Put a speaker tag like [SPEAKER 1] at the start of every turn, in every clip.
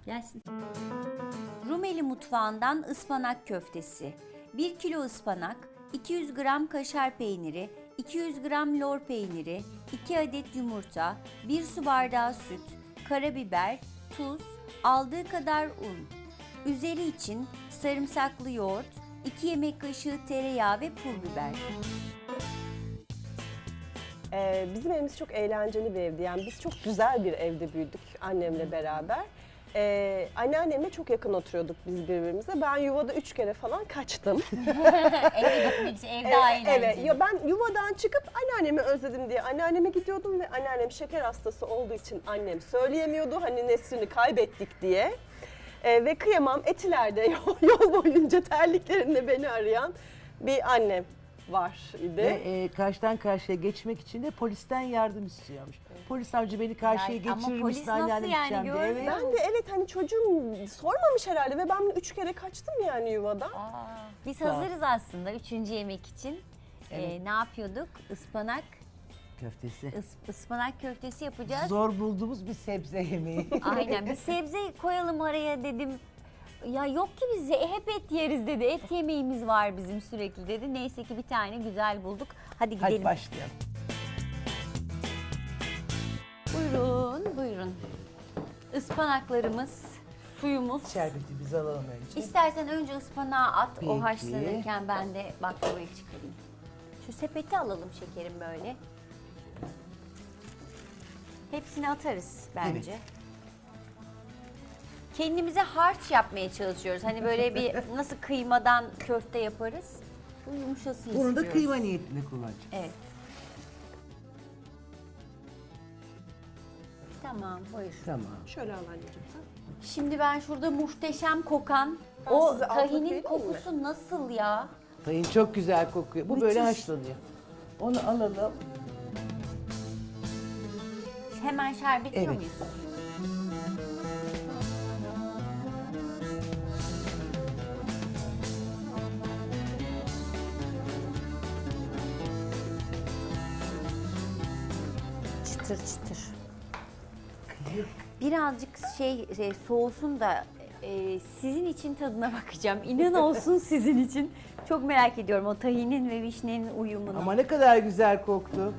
[SPEAKER 1] Gelsin. Rumeli mutfağından ıspanak köftesi. 1 kilo ıspanak, 200 gram kaşar peyniri, 200 gram lor peyniri, 2 adet yumurta, 1 su bardağı süt, karabiber, tuz, aldığı kadar un. Üzeri için sarımsaklı yoğurt, 2 yemek kaşığı tereyağı ve pul biber.
[SPEAKER 2] Bizim evimiz çok eğlenceli bir evdi. Yani biz çok güzel bir evde büyüdük annemle beraber. Anneannemle çok yakın oturuyorduk biz birbirimize. Ben yuvada 3 kere falan kaçtım.
[SPEAKER 1] Eve gitmek için ev daha eğlenceli.
[SPEAKER 2] Evet, ya ben yuvadan çıkıp anneannemi özledim diye anneanneme gidiyordum ve anneannem şeker hastası olduğu için annem söyleyemiyordu. Hani Nesrin'i kaybettik diye. Ve kıyamam Etiler'de yol boyunca terliklerinde beni arayan bir annem var idi.
[SPEAKER 3] Ve karşıdan karşıya geçmek için de polisten yardım istiyormuş. Polis amca beni karşıya
[SPEAKER 1] Yani ama
[SPEAKER 3] geçirir
[SPEAKER 1] polis
[SPEAKER 3] misin
[SPEAKER 1] nasıl
[SPEAKER 3] anneannem
[SPEAKER 1] yani,
[SPEAKER 3] gideceğim diye.
[SPEAKER 1] görmüyor
[SPEAKER 3] Evet.
[SPEAKER 2] Ben de evet hani çocuğum sormamış herhalde ve ben 3 kere kaçtım yani yuvadan.
[SPEAKER 1] Biz
[SPEAKER 3] Sağ ol.
[SPEAKER 1] hazırız aslında 3. yemek için.
[SPEAKER 3] Evet.
[SPEAKER 1] Ne yapıyorduk? Ispanak,
[SPEAKER 3] Köftesi.
[SPEAKER 1] ıspanak köftesi yapacağız.
[SPEAKER 3] Zor bulduğumuz bir sebze yemeği.
[SPEAKER 1] Aynen, bir sebze koyalım araya dedim. Ya yok ki biz hep et yeriz dedi. Et yemeğimiz var bizim sürekli dedi. Neyse ki bir tane güzel bulduk. Hadi gidelim.
[SPEAKER 3] Hadi başlayalım.
[SPEAKER 1] Buyurun, buyurun. Ispanaklarımız, suyumuz.
[SPEAKER 3] Şerbetimizi alalım önce.
[SPEAKER 1] İstersen önce ıspanağı at, o
[SPEAKER 3] Peki.
[SPEAKER 1] haşlanırken ben de baklavayı çıkarayım. Şu sepeti alalım şekerim böyle. Hepsini atarız bence.
[SPEAKER 3] Evet.
[SPEAKER 1] Kendimize harç yapmaya çalışıyoruz. Hani böyle bir nasıl kıymadan köfte yaparız. Bu yumuşasın
[SPEAKER 3] Bunu
[SPEAKER 1] istiyoruz.
[SPEAKER 3] da kıyma niyetine kullanacağız.
[SPEAKER 1] Evet. Tamam, buyur.
[SPEAKER 3] Tamam.
[SPEAKER 2] Şöyle al anneciğim sen.
[SPEAKER 1] Şimdi ben şurada muhteşem kokan
[SPEAKER 2] Ben
[SPEAKER 1] o
[SPEAKER 2] size altlık
[SPEAKER 1] tahinin
[SPEAKER 2] vereyim mi?
[SPEAKER 1] kokusu nasıl ya?
[SPEAKER 3] Tayin çok güzel kokuyor. Bu böyle
[SPEAKER 2] Müthiş.
[SPEAKER 3] haşlanıyor. Onu alalım.
[SPEAKER 1] Hemen şerbetliyor
[SPEAKER 3] Evet.
[SPEAKER 1] muyuz? Çıtır çıtır. Birazcık soğusun da sizin için tadına bakacağım. İnan olsun sizin için. Çok merak ediyorum o tahinin ve vişnenin uyumunu.
[SPEAKER 3] Ama ne kadar güzel koktu.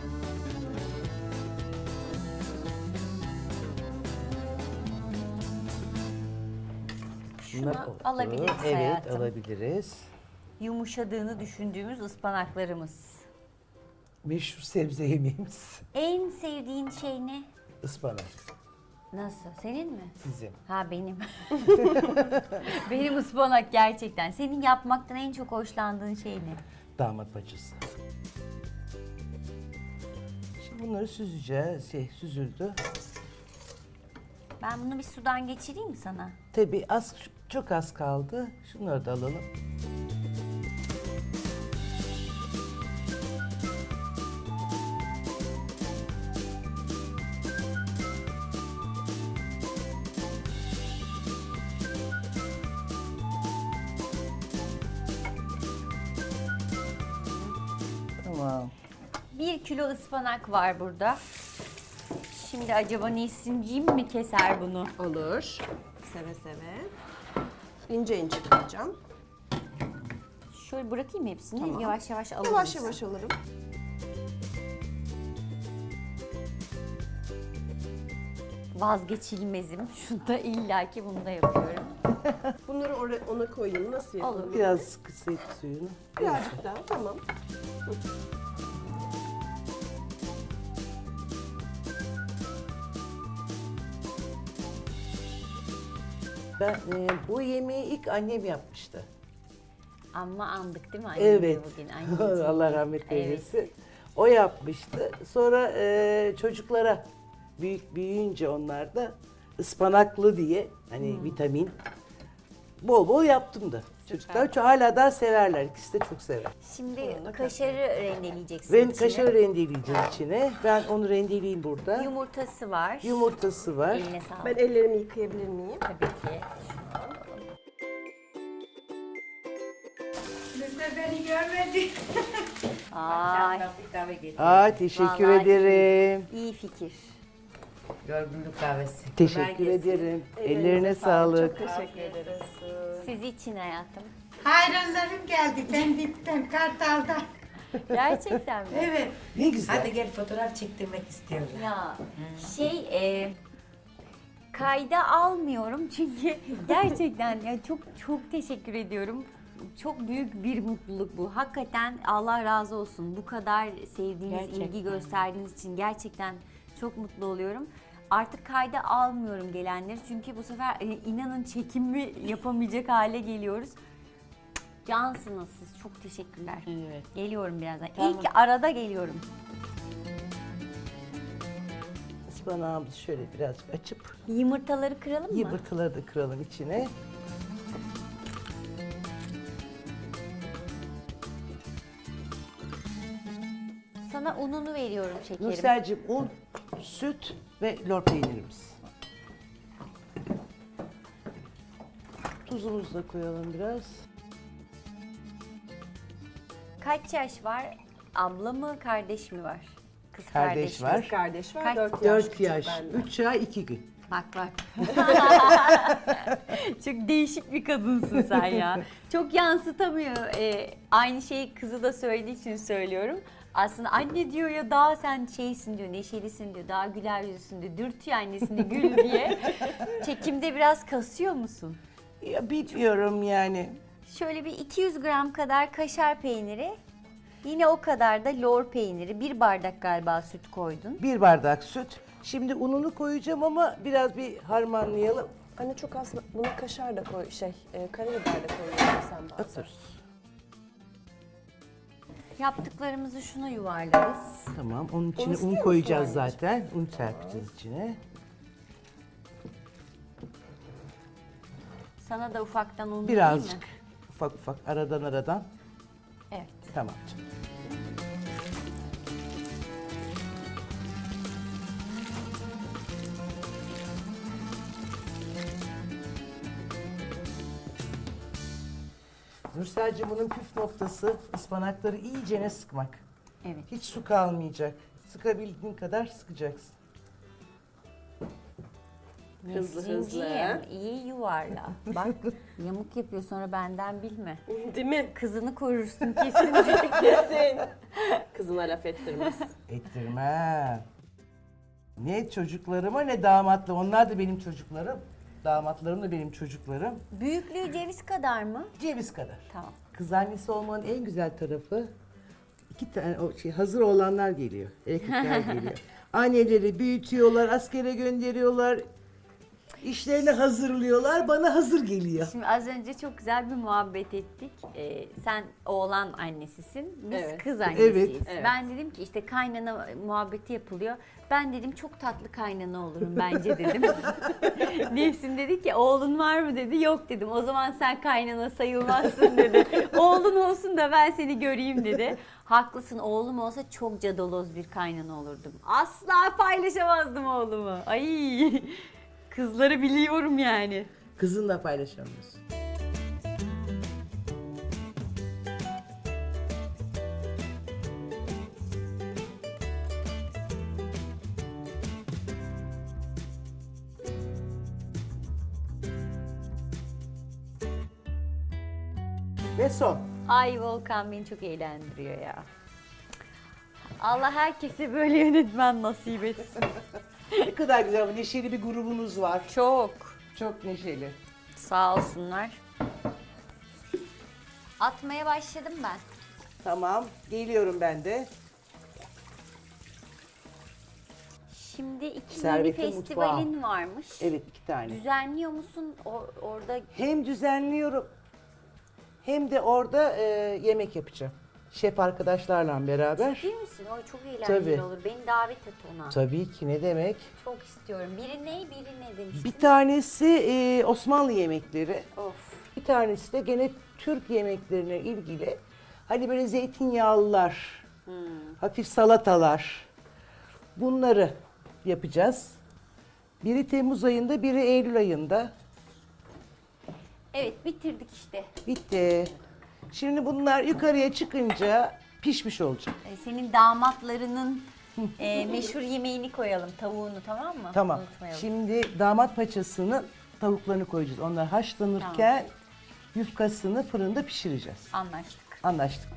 [SPEAKER 1] Şunu
[SPEAKER 3] Bunlar oldu.
[SPEAKER 1] alabiliriz
[SPEAKER 3] Evet,
[SPEAKER 1] hayatım.
[SPEAKER 3] alabiliriz.
[SPEAKER 1] Yumuşadığını düşündüğümüz ıspanaklarımız.
[SPEAKER 3] Meşhur sebze yemeğimiz.
[SPEAKER 1] En sevdiğin şey ne?
[SPEAKER 3] Ispanak.
[SPEAKER 1] Nasıl? Senin mi?
[SPEAKER 3] Sizin.
[SPEAKER 1] Ha benim. Benim ıspanak gerçekten. Senin yapmaktan en çok hoşlandığın şey ne?
[SPEAKER 3] Damat paçası. Şimdi bunları süzeceğiz. Süzüldü.
[SPEAKER 1] Ben bunu bir sudan geçireyim mi sana?
[SPEAKER 3] Tabii çok az kaldı. Şunları da alalım. Tamam.
[SPEAKER 1] 1 kilo ıspanak var burada. Şimdi acaba Nesin'ciğim mi keser bunu?
[SPEAKER 2] Olur. Seve seve. İnce ince kıracağım.
[SPEAKER 1] Şöyle bırakayım hepsini.
[SPEAKER 2] Tamam.
[SPEAKER 1] Yavaş yavaş alırız.
[SPEAKER 2] Yavaş yavaş alırım.
[SPEAKER 1] Vazgeçilmezim. Şunda illaki bunu da yapıyorum.
[SPEAKER 2] Bunları ona koyayım. Nasıl yapalım?
[SPEAKER 1] Olur.
[SPEAKER 3] Biraz kısayım suyunu.
[SPEAKER 2] Birazcık daha. Tamam.
[SPEAKER 3] Ben bu yemeği ilk annem yapmıştı.
[SPEAKER 1] Ama andık değil mi annemi
[SPEAKER 3] Evet.
[SPEAKER 1] bugün? Anneciğim.
[SPEAKER 3] Allah rahmet
[SPEAKER 1] Evet.
[SPEAKER 3] eylesin. O yapmıştı. Sonra çocuklara büyüyünce onlar da ıspanaklı diye hani vitamin bol bol yaptım da. Çocuklar hala da severler. İkisi de çok sever.
[SPEAKER 1] Şimdi kaşarı rendeleyeceksin
[SPEAKER 3] Ben
[SPEAKER 1] içine.
[SPEAKER 3] kaşarı rendeleyeceğim içine. Ben onu rendeleyeyim burada.
[SPEAKER 1] Yumurtası var.
[SPEAKER 3] Yumurtası var.
[SPEAKER 1] Eline sağlık.
[SPEAKER 2] Ben ellerimi yıkayabilir miyim?
[SPEAKER 1] Tabii ki.
[SPEAKER 4] Beni görmedi.
[SPEAKER 1] Ay,
[SPEAKER 3] Aa, teşekkür
[SPEAKER 1] Vallahi
[SPEAKER 3] ederim.
[SPEAKER 1] iyi fikir.
[SPEAKER 5] Yorgunluk kahvesi.
[SPEAKER 3] Teşekkür
[SPEAKER 5] Kolay gelsin.
[SPEAKER 3] ederim. Ellerine sağlık.
[SPEAKER 2] Teşekkür ederiz.
[SPEAKER 1] Siz için hayatım.
[SPEAKER 4] Hayranlarım geldi Pendik'ten, Kartal'dan.
[SPEAKER 1] Gerçekten mi?
[SPEAKER 4] Evet.
[SPEAKER 3] Ne güzel.
[SPEAKER 5] Hadi gel fotoğraf çektirmek istiyorlar.
[SPEAKER 1] Ya kayda almıyorum çünkü gerçekten ya çok teşekkür ediyorum. Çok büyük bir mutluluk bu. Hakikaten Allah razı olsun. Bu kadar sevdiğiniz,
[SPEAKER 5] Gerçekten.
[SPEAKER 1] ilgi gösterdiğiniz için gerçekten çok mutlu oluyorum. Artık kayda almıyorum gelenleri çünkü bu sefer inanın çekimi yapamayacak hale geliyoruz. Cansınız siz. Çok teşekkürler.
[SPEAKER 5] Evet.
[SPEAKER 1] Geliyorum birazdan.
[SPEAKER 5] Tamam.
[SPEAKER 1] İlk arada geliyorum.
[SPEAKER 3] Ispanağımızı şöyle biraz açıp
[SPEAKER 1] Yumurtaları kıralım mı?
[SPEAKER 3] yumurtaları da kıralım içine.
[SPEAKER 1] Sana ununu veriyorum şekerim.
[SPEAKER 3] Nursel'cim un, süt ve lor peynirimiz. Tuzumuzu da koyalım biraz.
[SPEAKER 1] Kaç yaş var? Abla mı, kardeş mi var? Kız
[SPEAKER 3] Kardeş
[SPEAKER 1] kardeş
[SPEAKER 3] var.
[SPEAKER 2] Kız kardeş var,
[SPEAKER 1] Kaç-
[SPEAKER 2] 4 yaş.
[SPEAKER 3] 4
[SPEAKER 2] küçük
[SPEAKER 3] yaş,
[SPEAKER 2] benden.
[SPEAKER 3] 3 ay 2 gün.
[SPEAKER 1] Bak bak. Çok değişik bir kadınsın sen ya. Çok yansıtamıyor. Aynı şeyi kızı da söylediği için söylüyorum. Aslında anne diyor ya daha sen şeysin diyor, neşelisin diyor, daha güler yüzlüsün diyor, dürtüyor annesini gül diye. Çekimde biraz kasıyor musun?
[SPEAKER 3] Ya bilmiyorum yani.
[SPEAKER 1] Şöyle bir 200 gram kadar kaşar peyniri, yine o kadar da lor peyniri, 1 bardak galiba süt koydun.
[SPEAKER 3] 1 bardak süt. Şimdi ununu koyacağım ama biraz bir harmanlayalım.
[SPEAKER 2] Anne çok az, buna kaşar da koy, karabiber de koyuyorsun sen bazen.
[SPEAKER 3] Atırız.
[SPEAKER 1] Yaptıklarımızı şuna yuvarlarız.
[SPEAKER 3] Tamam, onun içine
[SPEAKER 2] istiyor
[SPEAKER 3] un
[SPEAKER 2] musun
[SPEAKER 3] koyacağız
[SPEAKER 2] anneciğim?
[SPEAKER 3] zaten. Un serpeceğiz içine.
[SPEAKER 1] Sana da ufaktan un
[SPEAKER 3] Birazcık
[SPEAKER 1] vereyim mi?
[SPEAKER 3] ufak ufak aradan.
[SPEAKER 1] Evet.
[SPEAKER 3] Tamam canım. Nursel'cim bunun püf noktası ıspanakları iyicene sıkmak.
[SPEAKER 1] Evet.
[SPEAKER 3] Hiç su kalmayacak. Sıkabildiğin kadar sıkacaksın.
[SPEAKER 2] Hızlı
[SPEAKER 1] Nesrinciğim, iyi yuvarla. Bak yamuk yapıyor sonra benden bilme.
[SPEAKER 2] Değil mi?
[SPEAKER 1] Kızını korursun kesin.
[SPEAKER 2] Kesin. Kızına laf ettirmez.
[SPEAKER 3] Ettirmem. Ne çocuklarıma ne damatla. Onlar da benim çocuklarım. Damatlarım da benim çocuklarım.
[SPEAKER 1] Büyüklüğü ceviz kadar mı?
[SPEAKER 3] Ceviz kadar.
[SPEAKER 1] Tamam.
[SPEAKER 3] Kız annesi olmanın en güzel tarafı 2 tane hazır olanlar geliyor. Erkekler geliyor. Anneleri büyütüyorlar, askere gönderiyorlar. İşlerini hazırlıyorlar, bana hazır geliyor.
[SPEAKER 1] Şimdi az önce çok güzel bir muhabbet ettik. Sen oğlan annesisin, biz
[SPEAKER 2] Evet.
[SPEAKER 1] kız annesiyiz.
[SPEAKER 2] Evet.
[SPEAKER 1] Ben dedim ki işte kaynana muhabbeti yapılıyor. Ben dedim çok tatlı kaynana olurum bence dedim. Nefsin dedi ki oğlun var mı dedi. Yok dedim. O zaman sen kaynana sayılmazsın dedi. Oğlun olsun da ben seni göreyim dedi. Haklısın, oğlum olsa çok cadaloz bir kaynana olurdum. Asla paylaşamazdım oğlumu. Ay kızları biliyorum yani.
[SPEAKER 3] Kızınla paylaşamıyorsun. Ve son.
[SPEAKER 1] Ay Volkan beni çok eğlendiriyor ya. Allah herkese böyle yönetmen nasip etsin.
[SPEAKER 3] Ne kadar güzel, neşeli bir grubunuz var.
[SPEAKER 1] Çok.
[SPEAKER 3] Çok neşeli.
[SPEAKER 1] Sağ olsunlar. Atmaya başladım ben.
[SPEAKER 3] Tamam, geliyorum ben de.
[SPEAKER 1] Şimdi iki yeni
[SPEAKER 3] Servetin
[SPEAKER 1] festivalin varmış.
[SPEAKER 3] Evet, 2 tane.
[SPEAKER 1] Düzenliyor musun orada?
[SPEAKER 3] Hem düzenliyorum hem de orada yemek yapacağım. Şef arkadaşlarla beraber.
[SPEAKER 1] Değil misin? O çok eğlenceli
[SPEAKER 3] Tabii.
[SPEAKER 1] olur. Beni davet et ona.
[SPEAKER 3] Tabii ki, ne demek.
[SPEAKER 1] Çok istiyorum. Biri ne, biri ne demiştin?
[SPEAKER 3] Bir tanesi Osmanlı yemekleri.
[SPEAKER 1] Of.
[SPEAKER 3] Bir tanesi de gene Türk yemeklerine ilgili. Hani böyle zeytinyağlılar, hafif salatalar. Bunları yapacağız. Biri Temmuz ayında, biri Eylül ayında.
[SPEAKER 1] Evet bitirdik işte.
[SPEAKER 3] Bitti. Şimdi bunlar yukarıya çıkınca pişmiş olacak.
[SPEAKER 1] Senin damatlarının Meşhur yemeğini koyalım, tavuğunu, tamam mı?
[SPEAKER 3] Tamam.
[SPEAKER 1] Unutmayalım.
[SPEAKER 3] Şimdi damat paçasının tavuklarını koyacağız. Onlar haşlanırken yufkasını fırında pişireceğiz.
[SPEAKER 1] Anlaştık.
[SPEAKER 3] Anlaştık.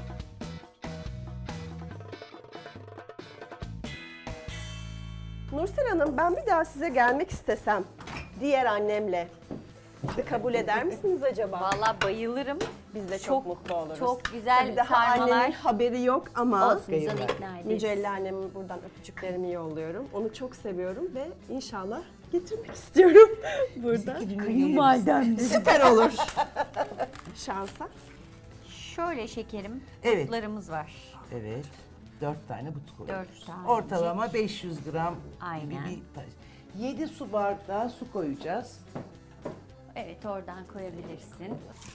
[SPEAKER 2] Nursel Hanım, ben bir daha size gelmek istesem diğer annemle. Sizi kabul eder misiniz acaba?
[SPEAKER 1] Vallahi bayılırım.
[SPEAKER 2] Biz de çok mutlu oluruz.
[SPEAKER 1] Çok güzel
[SPEAKER 2] Tabii daha
[SPEAKER 1] sarmalar.
[SPEAKER 2] annemin haberi yok ama
[SPEAKER 1] Olsun, biz onu ikna ederiz.
[SPEAKER 2] Mücella anneme buradan öpücüklerimi yolluyorum. Onu çok seviyorum ve inşallah getirmek istiyorum burada.
[SPEAKER 3] Kayınvalidem.
[SPEAKER 2] Süper olur. Şansa.
[SPEAKER 1] Şöyle şekerim,
[SPEAKER 3] Evet.
[SPEAKER 1] butlarımız var.
[SPEAKER 3] Evet. 4 tane but koyuyoruz.
[SPEAKER 1] 4 tane.
[SPEAKER 3] Ortalama 500 gram
[SPEAKER 1] Aynen.
[SPEAKER 3] gibi bir taş. 7 su bardağı su koyacağız.
[SPEAKER 1] Evet, oradan koyabilirsin.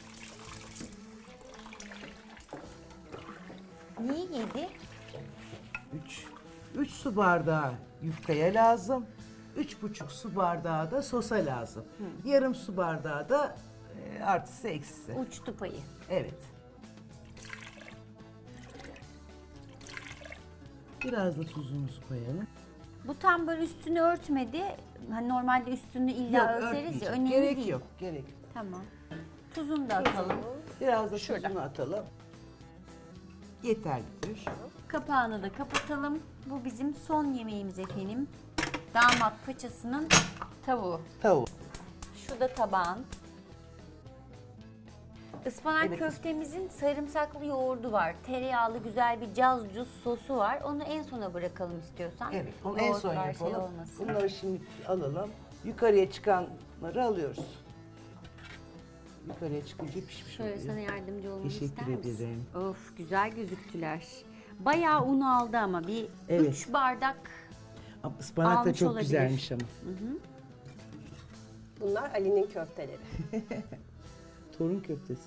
[SPEAKER 1] Niye 7?
[SPEAKER 3] 3 su bardağı yufkaya lazım. 3,5 su bardağı da sosa lazım. Yarım su bardağı da artısı eksisi.
[SPEAKER 1] Uçtu payı.
[SPEAKER 3] Evet. Biraz da tuzumuzu koyalım.
[SPEAKER 1] Bu tam böyle üstünü örtmedi. Hani normalde üstünü illa
[SPEAKER 3] Yok,
[SPEAKER 1] örteriz ya.
[SPEAKER 3] örtmeyeceğim.
[SPEAKER 1] Önemli
[SPEAKER 3] Gerek
[SPEAKER 1] değil.
[SPEAKER 3] yok, gerek yok.
[SPEAKER 1] Tamam. Tuzunu da atalım.
[SPEAKER 3] Biraz da tuzunu atalım. Yeterlidir.
[SPEAKER 1] Kapağını da kapatalım. Bu bizim son yemeğimiz efendim. Damat paçasının tavuğu.
[SPEAKER 3] Tavuk.
[SPEAKER 1] Şu da tabağın. Ispanak
[SPEAKER 3] Evet.
[SPEAKER 1] köftemizin sarımsaklı yoğurdu var. Tereyağlı güzel bir cazcuz sosu var. Onu en sona bırakalım istiyorsan.
[SPEAKER 3] Evet, onu en son
[SPEAKER 1] Yoğurtlar şey
[SPEAKER 3] yapalım.
[SPEAKER 1] olmasın.
[SPEAKER 3] Bunları şimdi alalım. Yukarıya çıkanları alıyoruz. Yukarıya çıkınca pişmiş
[SPEAKER 1] Şöyle
[SPEAKER 3] oluyor.
[SPEAKER 1] sana yardımcı olmamı
[SPEAKER 3] Teşekkür
[SPEAKER 1] ister misin?
[SPEAKER 3] ederim.
[SPEAKER 1] Of, güzel gözüktüler. Bayağı un aldı ama bir
[SPEAKER 3] Evet.
[SPEAKER 1] 3 bardak.
[SPEAKER 3] Ama ıspanak da
[SPEAKER 1] almış
[SPEAKER 3] çok
[SPEAKER 1] olabilir.
[SPEAKER 3] güzelmiş ama.
[SPEAKER 2] Bunlar Ali'nin köfteleri.
[SPEAKER 3] Torun köftesi.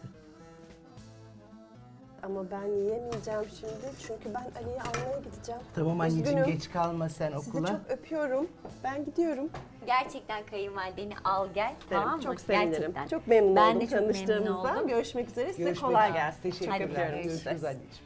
[SPEAKER 2] Ama ben yiyemeyeceğim şimdi çünkü ben Ali'yi almaya gideceğim.
[SPEAKER 3] Tamam anneciğim,
[SPEAKER 2] Üzgünüm.
[SPEAKER 3] geç kalma sen
[SPEAKER 2] Sizi
[SPEAKER 3] okula.
[SPEAKER 2] çok öpüyorum. Ben gidiyorum.
[SPEAKER 1] Gerçekten kayınvalideni al gel. Tamam mı?
[SPEAKER 2] Çok sevinirim.
[SPEAKER 1] Gerçekten.
[SPEAKER 2] Çok memnun
[SPEAKER 1] Ben
[SPEAKER 2] oldum
[SPEAKER 1] de çok memnun
[SPEAKER 2] tanıştığımızdan.
[SPEAKER 1] oldum.
[SPEAKER 2] Görüşmek üzere. Size
[SPEAKER 3] Görüşmek
[SPEAKER 2] kolay
[SPEAKER 3] üzere.
[SPEAKER 2] gelsin.
[SPEAKER 3] Teşekkür
[SPEAKER 1] Hadi
[SPEAKER 3] ederim.
[SPEAKER 1] görüşürüz.
[SPEAKER 3] Görüşürüz anneciğim.